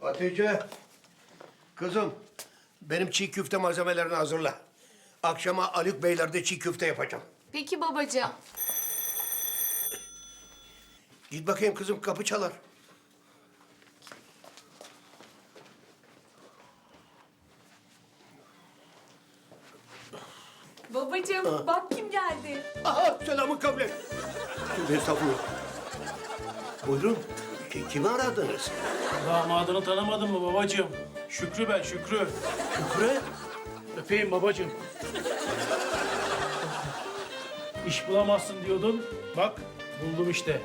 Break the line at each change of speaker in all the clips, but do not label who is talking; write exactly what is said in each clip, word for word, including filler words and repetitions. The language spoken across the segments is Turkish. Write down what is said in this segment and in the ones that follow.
Hatice, kızım benim çiğ köfte malzemelerini hazırla. Akşama Haluk Beyler'de çiğ köfte yapacağım.
Peki babacığım.
Git bakayım kızım, kapı çalar.
Babacığım bak kim geldi.
Aha, selamın kavle. Tövbe estağfurullah. Buyurun, ki- kimi aradınız?
Damadını tanımadın mı babacığım? Şükrü ben, Şükrü.
Şükrü.
Öpeyim babacığım. İş bulamazsın diyordun. Bak, buldum işte.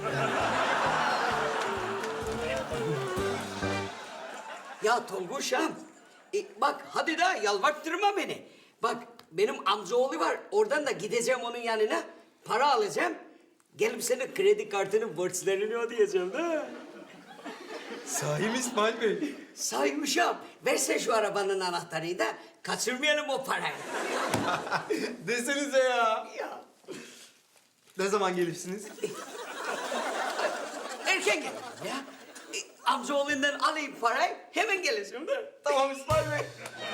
Ya Tolguş'um, e, bak hadi da yalvarttırma beni. Bak benim amcaoğlu var, oradan da gideceğim onun yanına, para alacağım. Gelip senin kredi kartının borçlarını ödeyeceğim da.
Sahi mi İsmail Bey?
Saymışım, versen şu arabanın anahtarını da kaçırmayalım o parayı.
Desenize ya.
Ya
Ne zaman gelirsiniz?
erken gel ya. E, amcaoğlundan alayım parayı, hemen geleceğim da.
Tamam İsmail Bey.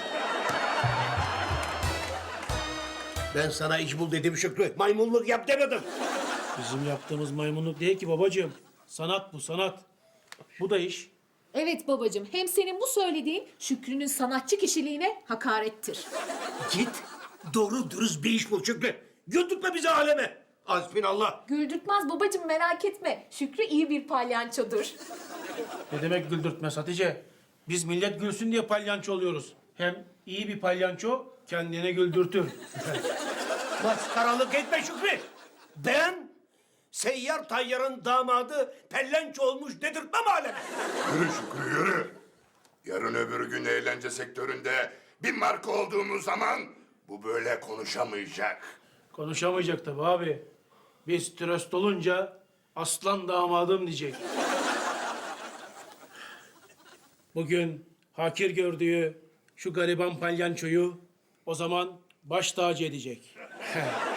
Ben sana iş bul dedim Şükrü. Maymunluk yap demedim.
Bizim yaptığımız maymunluk değil ki babacığım. Sanat bu, sanat. Bu da iş.
Evet babacığım, hem senin bu söylediğin Şükrü'nün sanatçı kişiliğine hakarettir.
Git, doğru dürüst bir iş bul Şükrü. Güldürtme bizi aleme. Hasbinallah.
Güldürtmez babacığım, merak etme. Şükrü iyi bir palyançodur.
Ne demek güldürtmez Hatice? Biz millet gülsün diye palyanço oluyoruz. Hem iyi bir palyanço kendine güldürtür.
Maskaralık etme Şükrü. Ben seyyar tayyarın damadı pellenço olmuş dedirtmem aleme.
Yürü Şükrü yürü. Yarın öbür gün eğlence sektöründe bir marka olduğumuz zaman bu böyle konuşamayacak.
Konuşamayacak tabii abi. Biz tröst olunca aslan damadım diyecek. Bugün hakir gördüğü şu gariban palyançoyu o zaman baş tacı edecek.